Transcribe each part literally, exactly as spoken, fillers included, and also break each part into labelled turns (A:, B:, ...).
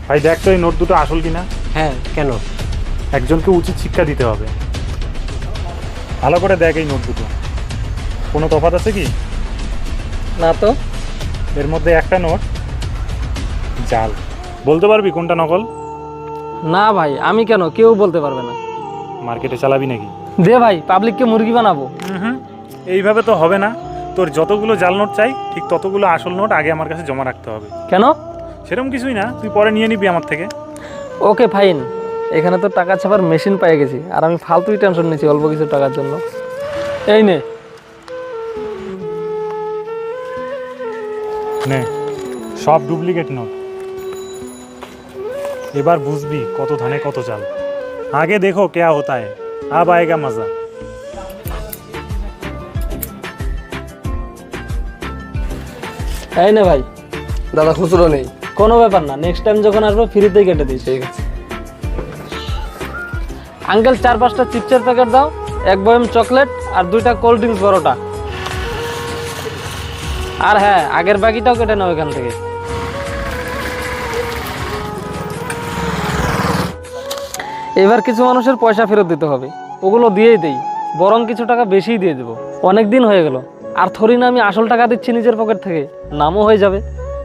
A: ভাই দেখ তো এই নোট দুটো আসল কিনা।
B: হ্যাঁ, কেন?
A: একজনকে উচিত শিক্ষা দিতে হবে। ভালো করে দেখ এই নোট দুটো, কোনো তফাৎ আছে কি?
B: না তো।
A: এর মধ্যে একটা নোট জাল। বলতে পারবি কোনটা নকল?
B: না ভাই, আমি কেন, কেউ বলতে পারবে না।
A: মার্কেটে চালাবি নাকি?
B: দে ভাই, পাবলিককে মুরগি বানাবো।
A: হুম, এইভাবে তো হবে না। তোর যতগুলো জাল নোট চাই ঠিক ততগুলো আসল নোট আগে আমার কাছে জমা রাখতে হবে।
B: কেন?
A: সেরকম কিছুই না, তুই পরে নিয়ে নিবি আমার থেকে।
B: Okay fine. এখানে তো টাকা ছাপার মেশিন পেয়ে গেছি, আর আমি ফালতুই টেনশন নিচ্ছি অল্প কিছু টাকার জন্য। এই নে।
A: নে, সব ডুপ্লিকেট নোট। এবার বুঝবি কত ধানে কত চাল। আগে দেখো क्या होता है, अब आएगा मजा।
B: এই নে ভাই।
C: দাদা খুচরো নেই।
B: কোনো ব্যাপার না, নেক্সট টাইম যখন আসবো ফ্রিতেই কেটে দিই।
C: ঠিক আছে।
B: আঙ্কেল, চার পাঁচটা চিপসের প্যাকেট দাও, এক বয়ম চকলেট আর দুইটা কোল্ড ড্রিঙ্কস বড়টা। আর হ্যাঁ, আগের বাকিটাও কেটে নাও এখান থেকে। এবার কিছু মানুষের পয়সা ফেরত দিতে হবে, ওগুলো দিয়েই দেই, বরং কিছু টাকা বেশিই দিয়ে দেবো। অনেক দিন হয়ে গেল, আর থরি না আমি আসল টাকা দিচ্ছি নিজের পকেট থেকে, নামও হয়ে যাবে।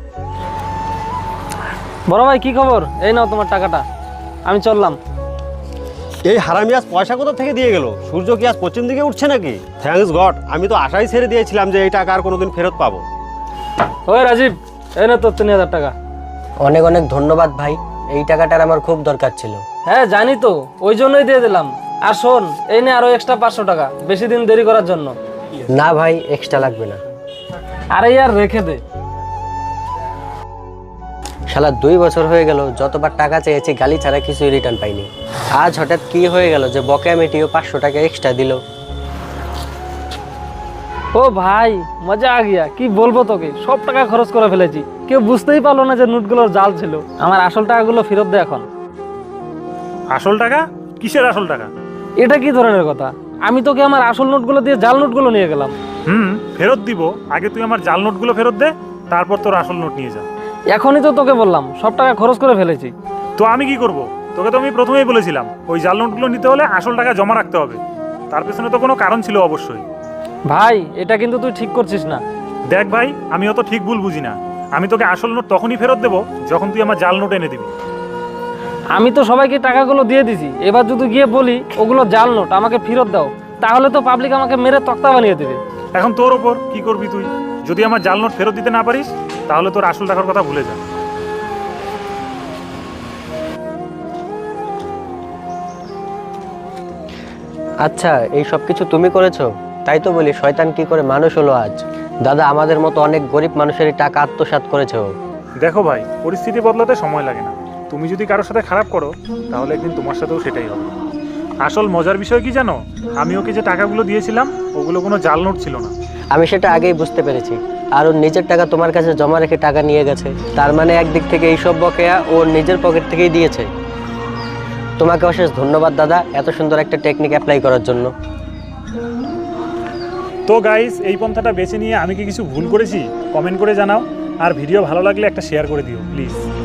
B: বড় ভাই, কি খবর? এই নাও তোমার টাকাটা, আমি চললাম।
D: এই হারামি আজ পয়সা কোথা থেকে দিয়ে গেল? সূর্য কি আজ পশ্চিম দিকে উঠছে নাকি? থ্যাঙ্কস গড, আমি তো আশাই ছেড়ে দিয়েছিলাম যে এই টাকা আর কোনোদিন ফেরত পাবো।
B: ওই রাজীব, এই না তোর তিন হাজার টাকা।
C: অনেক অনেক ধন্যবাদ ভাই, এই টাকাটার আমার খুব দরকার ছিল।
B: হ্যাঁ জানি তো, ওই জন্যই দিয়ে দিলাম। আর শোন, এই নে আরো এক্সট্রা পাঁচশো টাকা, বেশি দিন দেরি করার জন্য।
C: না ভাই, এক্সট্রা লাগবে না।
B: আরে ইয়ার রেখে দে।
C: শালা দুই বছর হয়ে গেল, যতবার টাকা চেয়েছি গালি ছাড়া কিছুই রিটার্ন পাইনি। আজ হঠাৎ কি হয়ে গেল যে বকেয়া মিটিও পাঁচশো টাকা এক্সট্রা দিল?
B: ও ভাই, মজা আ গিয়া। কি বলবো তোকে, সব টাকা খরচ করে ফেলেছি, কেউ বুঝতেই পারলো না যে নোটগুলোর জাল ছিল। আমার আসল টাকাগুলো ফেরত দে এখন।
A: আসল টাকা? কিসের আসল টাকা?
B: এটা কি ধরনের কথা? আমি তোকে আমার আসল নোটগুলো দিয়ে জাল নোটগুলো নিয়ে গেলাম।
A: হুম, ফেরত দিব। আগে তুই আমার জাল নোটগুলো ফেরত দে, তারপর তোর আসল নোট নিয়ে যা।
B: এখনই তো তোকে বললাম সব টাকা খরচ করে ফেলেছি।
A: তো আমি কি করব? তোকে তো আমি প্রথমেই বলেছিলাম ওই জাল নোটগুলো নিতে হলে আসল টাকা জমা রাখতে হবে। তার পেছনে তো কোনো কারণ ছিল অবশ্যই।
B: ভাই, এটা কিন্তু তুই ঠিক করছিস না।
A: দেখ ভাই, আমি অত ঠিক ভুল বুঝি না। আমি তোকে আসল নোট তখনই ফেরত দেবো যখন তুই আমার জাল নোট এনে দিবি।
B: আমি তো সবাইকে টাকাগুলো দিয়ে দিছি, এবার যদি গিয়ে বলি ওগুলো জাল নোট, আমাকে ফেরত দাও, তাহলে তো পাবলিক আমাকে মেরে তক্তা বানিয়ে দেবে।
A: এখন তোর ওপর কি করবি তুই। যদি আমার জাল নোট ফেরত দিতে না পারিস তাহলে তোর আসল টাকার কথা ভুলে যা।
C: আচ্ছা, এই সব কিছু তুমি করেছো? তাই তো বলি শয়তান কি করে মানুষ হলো আজ। দাদা, আমাদের মতো অনেক গরিব মানুষেরই টাকা আত্মসাৎ করেছে ও।
A: দেখো ভাই, পরিস্থিতি বদলাতে সময় লাগে না। তুমি যদি কারোর সাথে খারাপ করো তাহলে একদিন তোমার সাথেও সেটাই হবে। আসল মজার বিষয় কি জানো, আমি ওকে যে টাকাগুলো দিয়েছিলাম ওগুলো কোনো জাল নোট ছিল না।
C: আমি সেটা আগেই বুঝতে পেরেছি। আর ওর নিজের টাকা তোমার কাছে জমা রেখে টাকা নিয়ে গেছে, তার মানে একদিক থেকে এইসব বকেয়া ওর নিজের পকেট থেকেই দিয়েছে। তোমাকে অশেষ ধন্যবাদ দাদা, এত সুন্দর একটা টেকনিক অ্যাপ্লাই করার জন্য।
A: তো গাইস, এই পন্থাটা বেছে নিয়ে আমি কি কিছু ভুল করেছি কমেন্ট করে জানাও। আর ভিডিও ভালো লাগলে একটা শেয়ার করে দিও প্লিজ।